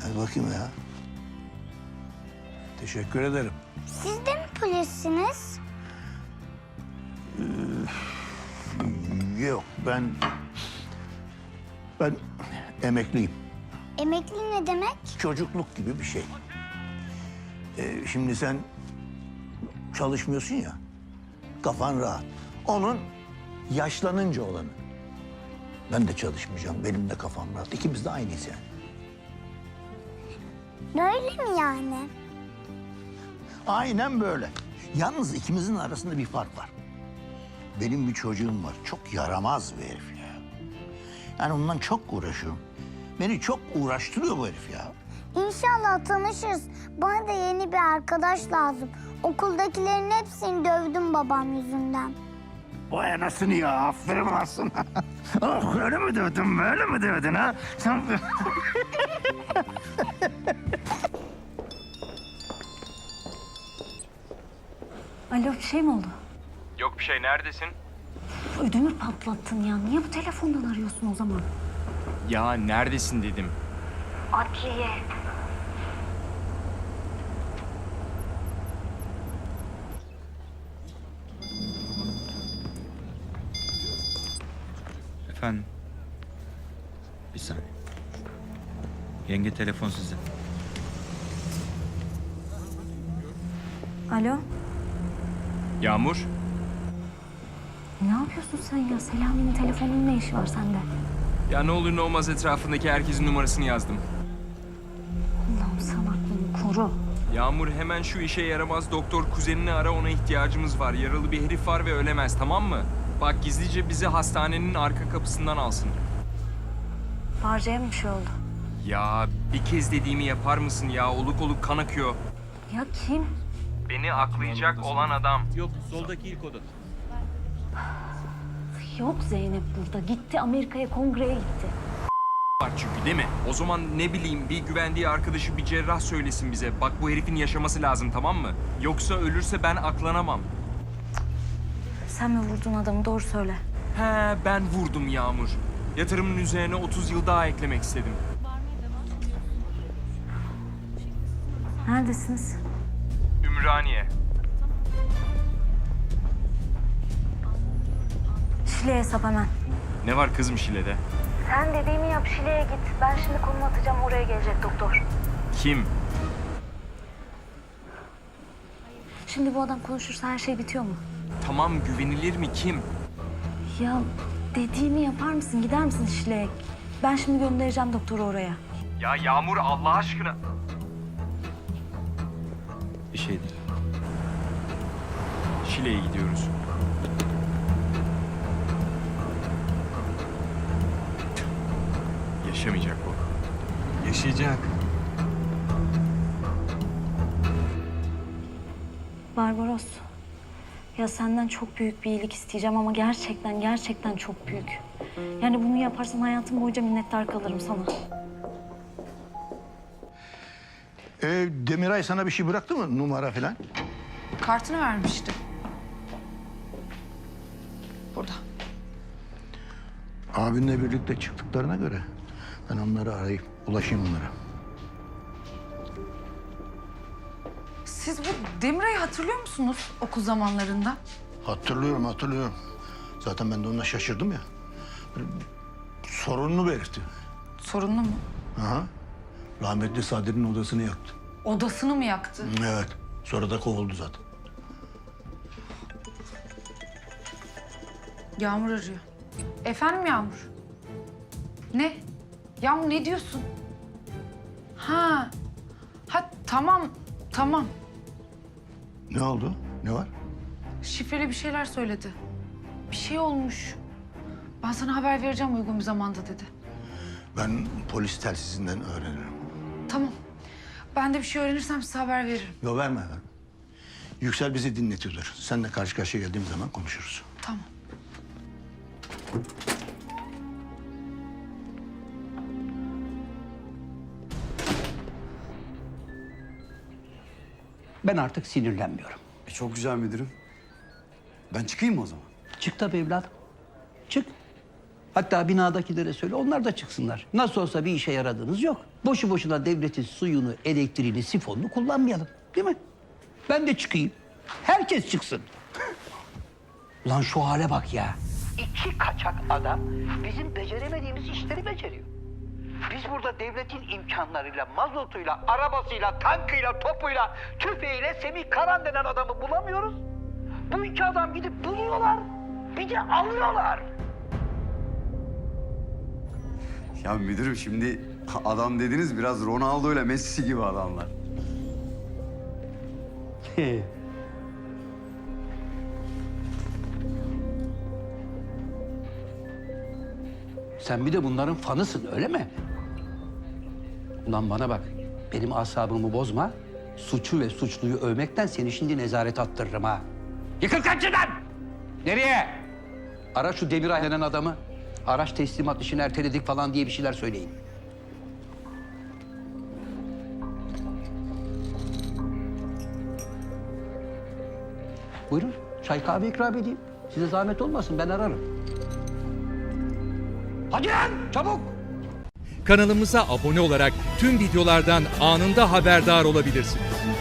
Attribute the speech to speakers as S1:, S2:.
S1: Hadi bakayım ya. Teşekkür ederim.
S2: Siz de mi polissiniz?
S1: Yok, ben emekliyim.
S2: Emekli ne demek?
S1: Çocukluk gibi bir şey. Şimdi sen çalışmıyorsun ya, kafan rahat. Onun yaşlanınca olanı. Ben de çalışmayacağım, benim de kafam rahat. İkimiz de aynıyız yani.
S2: Böyle mi yani?
S1: Aynen böyle. Yalnız ikimizin arasında bir fark var. Benim bir çocuğum var, çok yaramaz bir herif ya. Yani ondan çok uğraşıyorum. Beni çok uğraştırıyor bu herif ya.
S2: İnşallah tanışırız. Bana da yeni bir arkadaş lazım. Okuldakilerin hepsini dövdüm babam yüzünden.
S1: Vay anasını ya, aferin lan sana. Oh, öyle mi dövdün, böyle mi dövdün ha? Sen...
S3: Alo, bir şey mi oldu?
S4: Yok bir şey, neredesin?
S3: Ödümü patlattın ya. Niye bu telefondan arıyorsun o zaman?
S4: Ya neredesin dedim.
S3: Adliye.
S5: Efendim? Bir saniye. Yenge telefon size.
S3: Alo,
S4: Yağmur?
S3: ne yapıyorsun sen ya? Selami'nin telefonunun ne işi var sende?
S4: Ya ne olur ne olmaz etrafındaki herkesin numarasını yazdım.
S3: Allah'ım sen aklını koru.
S4: Yağmur hemen şu işe yaramaz doktor kuzenini ara, ona ihtiyacımız var. Yaralı bir herif var ve ölemez, tamam mı? Bak gizlice bizi hastanenin arka kapısından alsın.
S3: Barca'ya mı bir şey oldu?
S4: Ya bir kez dediğimi yapar mısın ya? Oluk oluk kan akıyor.
S3: Ya kim?
S4: Beni aklayacak olan adam.
S5: Yok, soldaki ilk oda.
S3: Yok Zeynep burada. Gitti Amerika'ya, kongreye gitti.
S4: Var çünkü değil mi? O zaman ne bileyim bir güvendiği arkadaşı, bir cerrah söylesin bize. Bak bu herifin yaşaması lazım, tamam mı? Yoksa ölürse ben aklanamam.
S3: Sen mi vurdun adamı? Doğru söyle.
S4: He, ben vurdum Yağmur. Yatırımın üzerine 30 yıl daha eklemek istedim.
S3: Neredesiniz?
S4: Ümraniye.
S3: Şile'ye hesap hemen.
S4: Ne var kızım Şile'de?
S3: Sen dediğimi yap, Şile'ye git. Ben şimdi konum atacağım, oraya gelecek doktor.
S4: Kim?
S3: Şimdi bu adam konuşursa her şey bitiyor mu?
S4: Tamam, güvenilir mi kim?
S3: Ya dediğimi yapar mısın? Gider misin Şile'ye? Ben şimdi göndereceğim doktoru oraya.
S4: Ya Yağmur Allah aşkına.
S5: Bir şey değil.
S4: Şile'ye gidiyoruz. Yaşamayacak bu.
S5: Yaşayacak.
S3: Barbaros. Ya senden çok büyük bir iyilik isteyeceğim ama gerçekten çok büyük. Yani bunu yaparsan hayatım boyunca minnettar kalırım sana.
S1: Demiray sana bir şey bıraktı mı, numara falan?
S6: Kartını vermişti. Burada.
S1: Abinle birlikte çıktıklarına göre ben onları arayıp ulaşayım onlara.
S6: Siz bu Demiray'ı hatırlıyor musunuz okul zamanlarında?
S1: Hatırlıyorum. Zaten ben de ona şaşırdım ya. Böyle sorunlu bir herifti.
S6: Sorunlu mu?
S1: Aha. Rahmetli Sadri'nin odasını yaktı.
S6: Odasını mı yaktı?
S1: Evet. Sonra da kovuldu zaten.
S6: Yağmur arıyor. Efendim Yağmur? Ne? Yağmur ne diyorsun? Ha. Tamam.
S1: Ne oldu? Ne var?
S6: Şifreli bir şeyler söyledi. Bir şey olmuş. Ben sana haber vereceğim uygun bir zamanda dedi.
S1: Ben polis telsizinden öğrenirim.
S6: Tamam. Ben de bir şey öğrenirsem size haber veririm.
S1: Yok verme. Yüksel bizi dinletiyordur. Seninle karşı karşıya geldiğim zaman konuşuruz.
S6: Tamam.
S7: Ben artık sinirlenmiyorum.
S8: Çok güzel müdürüm. Ben çıkayım mı o zaman?
S7: Çık tabii evladım. Çık. Hatta binadakilere söyle, onlar da çıksınlar. Nasıl olsa bir işe yaradığınız yok. Boşu boşuna devletin suyunu, elektriğini, sifonunu kullanmayalım. Değil mi? Ben de çıkayım. Herkes çıksın. Ulan şu hale bak ya. İki kaçak adam bizim beceremediğimiz işleri beceriyor. Biz burada devletin imkanlarıyla, mazotuyla, arabasıyla, tankıyla, topuyla, tüfeğiyle Semih Karan denen adamı bulamıyoruz. Bu iki adam gidip buluyorlar, bir de alıyorlar.
S8: Ya müdürüm şimdi adam dediniz biraz Ronaldo ile Messi gibi adamlar.
S7: Sen bir de bunların fanısın, öyle mi? Ulan bana bak, benim asabımı bozma. Suçu ve suçluyu övmekten seni şimdi nezarete attırırım ha. Yıkıl kaçıdan! Nereye? Ara şu Demiray denen adamı. Araç teslimat işini erteledik falan diye bir şeyler söyleyin. Buyurun, çay kahve ikram edeyim. Size zahmet olmasın, ben ararım. Hadi lan, çabuk!
S9: Kanalımıza abone olarak tüm videolardan anında haberdar olabilirsiniz.